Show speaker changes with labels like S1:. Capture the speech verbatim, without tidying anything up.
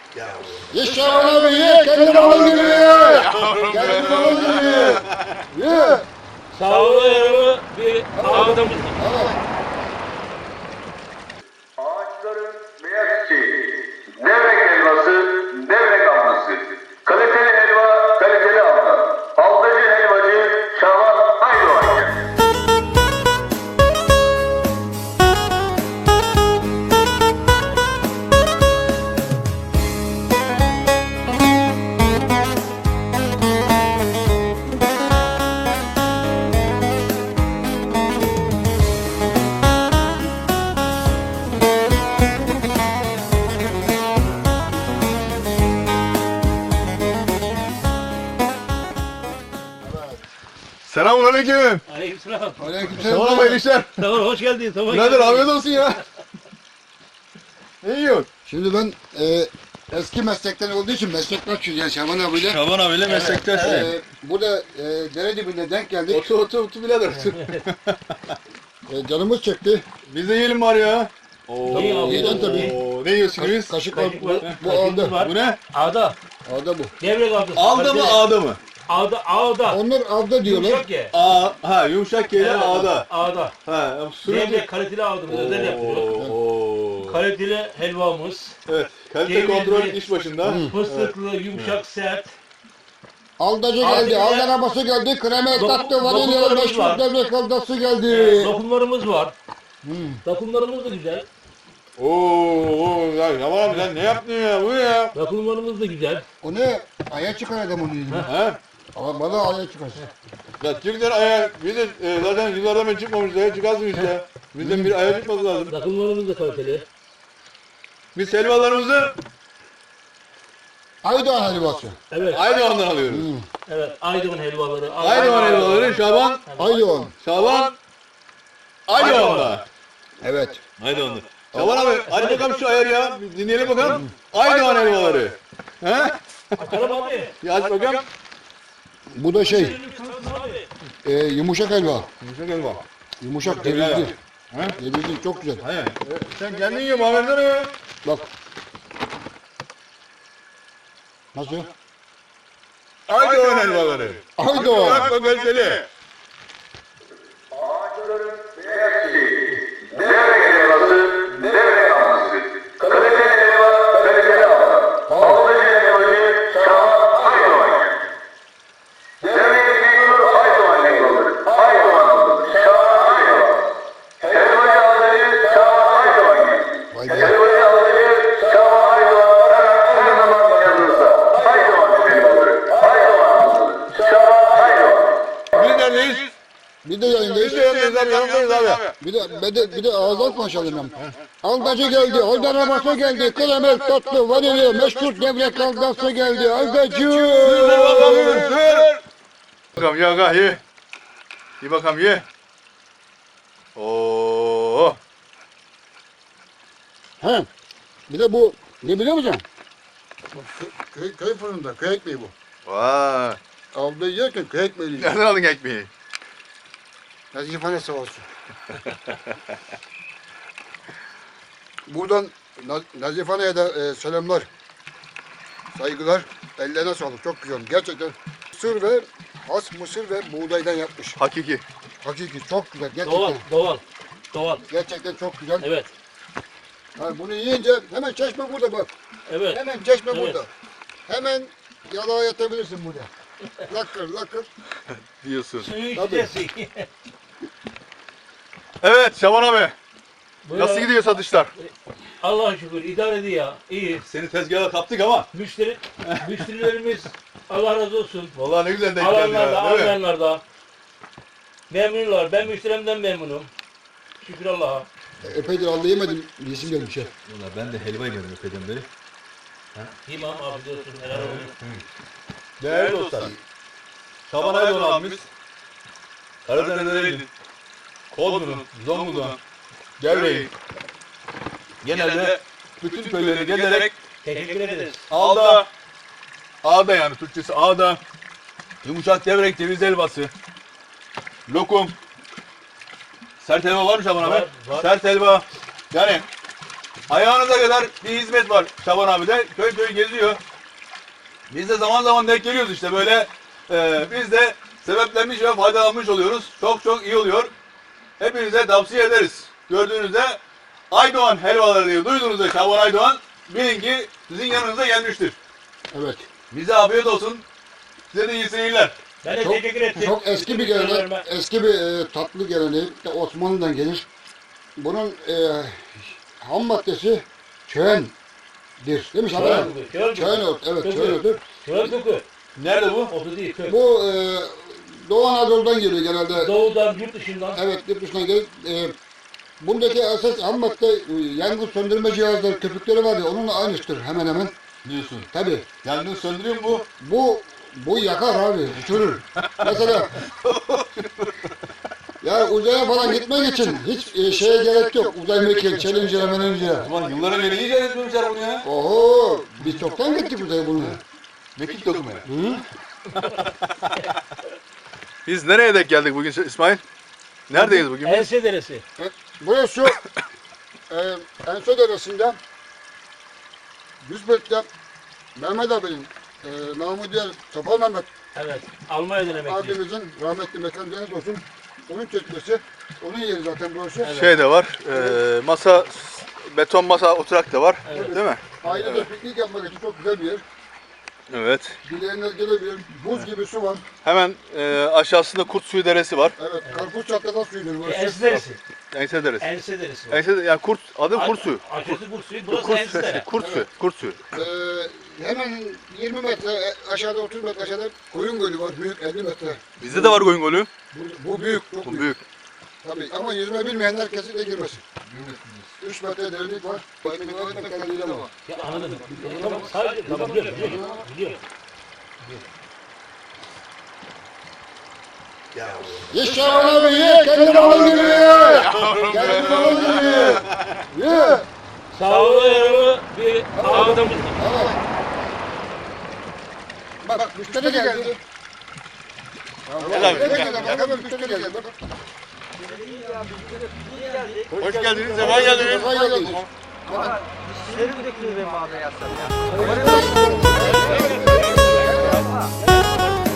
S1: Ye Şaban abi ye. Kendi baban gibi ye. Kendi baban gibi ye. Ye.
S2: Sağlığı yarımı bir ağdamız.
S1: Evet.
S3: Ağaçların beyaz çiçeği, devrek helvası, devrek alması, kaliteli helva, kaliteli alma, aldacı helvacı, Şaban Aydoğan.
S4: Selamünaleyküm.
S2: Aleykümselam.
S1: Aleykümselam.
S4: Tamam hayırlı işler.
S2: Tamam hoş geldin. Tamam.
S4: Birader afiyet olsun ya. Ne yiyorsun?
S1: Şimdi ben e, eski meslekten olduğu için meslektaşız yani Şaban abiyle.
S4: Şaban abiyle meslektaşsın.
S1: E, burada e, dere dibinde denk geldik.
S4: Otur otur otur birader.
S1: E, canımız çekti.
S4: Biz de yiyelim var ya. Oo,
S2: Tabii abi.
S1: Yiyeceğim tabii.
S4: Oo, ne yiyorsun biz?
S1: Kaşık var.
S2: Kaşık var.
S1: Bu
S2: Kaşığımız
S1: aldı.
S2: var.
S4: Bu ne?
S2: Ağda.
S1: Ağda bu.
S2: Devrek ağdası.
S4: Alda mı ağda mı?
S2: Ağda. Ağda.
S1: Onlar avda diyorlar.
S2: Yumuşak ye.
S4: A ha yumuşak keyle
S2: Evet,
S4: ağda.
S2: Ağda.
S4: Ha sürece.
S2: Devrek kaliteli ağdamız özel yapıyoruz.
S4: Oo.
S2: Kaliteli helvamız.
S4: Evet. Kalite
S2: Cevizli.
S4: kontrol iş başında.
S2: Fıstıklı, yumuşak, sert.
S1: Aldacı
S2: Abi
S1: geldi,
S2: ya.
S1: aldı arabası geldi, krema
S2: Dokun-
S1: tatlı, vanilyalı
S2: dokunlarımız
S1: meşhur
S2: var.
S1: devrek aldası geldi.
S2: Dokunlarımız var. Dokunlarımız da güzel.
S4: Oo, ya Yaman abi sen ne yaptın ya? Bu ne ya?
S2: Dokunlarımız da güzel.
S1: O ne? Aya çıkar adam onu yüzüne.
S4: Ha?
S1: Ama bana aya çıkar.
S4: Ya çıktılar aya, biz de e, zaten yıllardan beri çıkmamışız, aya çıkarsın işte. Bizden bir aya çıkması lazım.
S2: Dokunlarımız da kaliteli.
S4: Biz helvalarımızı
S1: Aydoğan helvası.
S2: Evet.
S4: Aydoğan'dan alıyoruz.
S2: Evet. Aydoğan helvaları.
S4: Aydoğan helvaları Şaban,
S1: Aydoğan.
S4: Şaban, Aydoğan'da.
S1: Evet.
S4: Aydoğan'da. Şaban abi, hadi bakalım şu ayarı ya, bir dinleyelim bakalım. Aydoğan helvaları. He?
S2: Açalım abi.
S4: Ya aç bakalım.
S1: Bu da şey,
S2: Abi.
S1: e, yumuşak helva.
S4: Yumuşak helva.
S1: Yumuşak,
S4: Helva.
S1: cevizli.
S4: He?
S1: Cevizli çok güzel.
S4: Hayır, sen kendin yiyor Muhammed'den ya.
S1: Bak. Nasıl?
S4: Aydoğan helvaları.
S1: Aydoğan.
S4: Bak bak kaliteli.
S3: Ağaçların beyaz çiçeği, devrek helvası, devrek alması, kaliteli helva, kaliteli alma, aldacı helvacı, Şaban Aydoğan. Devrek meşhur Aydoğan helvaları, Aydoğan alması, Şaban Aydoğan. Helvacı aldacı, Şaban Aydoğan.
S1: Vay be.
S3: Helvacı aldacı, Şaban Aydoğan, her zaman yanınızda. Aydoğan helvaları, Aydoğan alması, Şaban Aydoğan.
S4: Biz neredeyiz?
S1: Bir de yayındayız.
S4: Biz de yanındayız abi, yanındayız abi.
S1: Bir de, bir de, bir de ağız atma çalayım ben. Aldacı geldi, aldı arabası geldi, kremel tatlı, vanilya, meşhur devrek aldası geldi, aldacı.
S4: Bakalım ya gah ye. Ye bakalım ye. Oo.
S1: He. Bir de bu, ne biliyor musun? Köy, köy fırında, köy ekmeği bu.
S4: Vay.
S1: Aldığı yerken köy ekmeği yiyor.
S4: Nereden aldın ekmeği?
S1: Nazifane sağ olsun. Buradan Naz Nazifane'ye de e, selamlar, saygılar, ellerine sağlık, çok güzel. Gerçekten mısır ve has mısır ve buğdaydan yapmış.
S4: Hakiki.
S1: Hakiki çok güzel, gerçekten.
S2: Doğal. Doğal. Doğal.
S1: Gerçekten çok güzel.
S2: Evet.
S1: Yani bunu yiyince hemen çeşme burada bak.
S2: Evet.
S1: Hemen çeşme
S2: Evet.
S1: burada. Hemen yalağa yatabilirsin burada. Lakır lakır.
S4: Diyorsun.
S2: Suyu
S1: Tabii.
S2: içeceğiz.
S4: Evet Şaban abi.
S2: Buyur
S4: Nasıl
S2: abi.
S4: gidiyor satışlar?
S2: Allah'a şükür idare ediyor ya. İyi.
S4: Seni tezgaha kaptık ama.
S2: Müşteri, müşterilerimiz Allah razı olsun.
S4: Vallahi ne güzel denk geldi
S2: Alanlar da,
S4: ya. Değil mi?
S2: almayanlar da. Memnunlar. Ben müşterimden memnunum. Şükür Allah'a.
S1: Epeydir aldı yemedim. Yesim gelmiş ya.
S5: Valla ben de helva yemedim epeyden beri.
S2: İmam afiyet olsun. Helal olsun.
S4: Değerli dostlar. Şaban Aydoğan abimiz. Karadeniz'den Eylül. Kozlu'nun, Zonguldak'ın, Gevreğin. Genelde bütün köyleri gezerek
S2: Teşekkür ederiz.
S4: Ağda, Ağda yani Türkçesi Ağda, yumuşak devrek ceviz helvası, lokum, sert helva var mı Şaban abi?
S2: Var, var.
S4: Sert helva. Yani Ayağınıza kadar bir hizmet var Şaban abi de. Köy köy geziyor. Biz de zaman zaman denk geliyoruz işte böyle. E, biz de sebeplenmiş ve faydalanmış oluyoruz. Çok çok iyi oluyor. Hepinize tavsiye ederiz. Gördüğünüzde Aydoğan helvaları diye duyduğunuzda Şaban Aydoğan bilin ki sizin yanınıza gelmiştir.
S1: Evet.
S4: Bize afiyet olsun. Size de iyi seyirler.
S2: Ben de
S1: Çok,
S2: teşekkür ettim.
S1: çok eski bir gelenek,
S2: Müşterilerime.
S1: eski bir e, tatlı geleneği de Osmanlı'dan gelir. Bunun e, ham maddesi çöğendir. Değil mi Şaban abi?
S2: Köy köy.
S1: Çöğen ot, evet
S2: Köy.
S1: çöğen otu.
S2: Köy koku.
S4: Nerede bu?
S2: Otu değil köy.
S1: Bu e, Doğu Anadolu'dan geliyor genelde.
S2: Doğudan, yurt dışından.
S1: Evet, yurt dışına gelir. E, bundaki esas ham madde e, yangın söndürme cihazları, köpükleri var ya onunla aynıdır hemen hemen.
S4: Diyorsun.
S1: Tabii.
S4: Yangın söndürüyor mu bu?
S1: Bu bu yakar abi, uçurur. Mesela ya uzaya falan gitmek için hiç e, şeye gerek yok. Uzay mekiği, Challenger'a, Menenger'a.
S4: Ulan yıllara beri iyice etmemişler bunu ya.
S1: Oho, biz çoktan gittik uzaya bunu.
S4: Mekik dokumaya.
S1: Hı?
S6: Biz nereye denk geldik bugün İsmail? Neredeyiz bugün?
S2: Ense deresi.
S1: Burası e, Enso Deresi'nde yüz metre Mehmet abinin e, namı diğer Topal Mehmet
S2: Evet. Almanya'dan emekli.
S1: abimizin rahmetli mekan cennet olsun. Onun çekmesi, onun yeri zaten burası.
S6: Şey de var, e, masa, beton masa oturak da var.
S2: Evet.
S6: Değil mi?
S1: Ailede piknik yapmak için çok güzel bir yer.
S6: Evet.
S1: Dileyenler gelebilir. Buz gibi su var.
S6: Hemen e, aşağısında Kurt Suyu Deresi var.
S1: Evet, karpuz çatlatan suyudur burası.
S2: Ense deresi.
S6: Ense Deresi.
S2: Ense deresi.
S6: Ense, yani Kurt, adı Kurt Suyu.
S2: Aşağısı Kurt suyu. Burası
S6: Kurt,
S2: ense dere.
S6: Kurt Suyu. Kurt Suyu.
S1: Ee, hemen yirmi metre e, aşağıda, otuz metre aşağıda Koyun Gölü var. Büyük, elli metre.
S6: Bizde de var Koyun Gölü.
S1: Bu, bu büyük, çok
S6: Bu
S1: büyük.
S6: büyük.
S1: Tabii ama yüzme bilmeyenler kesinlikle girmesin. üç metre derinlik var. Bayını öğretmek kaydıyla var.
S2: Ya anladım. Tamam sadece tamam biliyorum. Biliyorum. Biliyorum.
S1: Ye Şaban abi ye, kendi baban gibi ye. Kendi baban gibi ye. Ye.
S2: Sağlığı yararlı bir ağabeyimiz.
S1: Evet. Bak, bak müşteri geldi. Hemen hemen müşteri geldi. Bak.
S6: Hoş geldiniz, sefa geldiniz.
S1: Sefa geldiniz.
S7: Şerit bekliyor benim abi ya.
S1: Evet.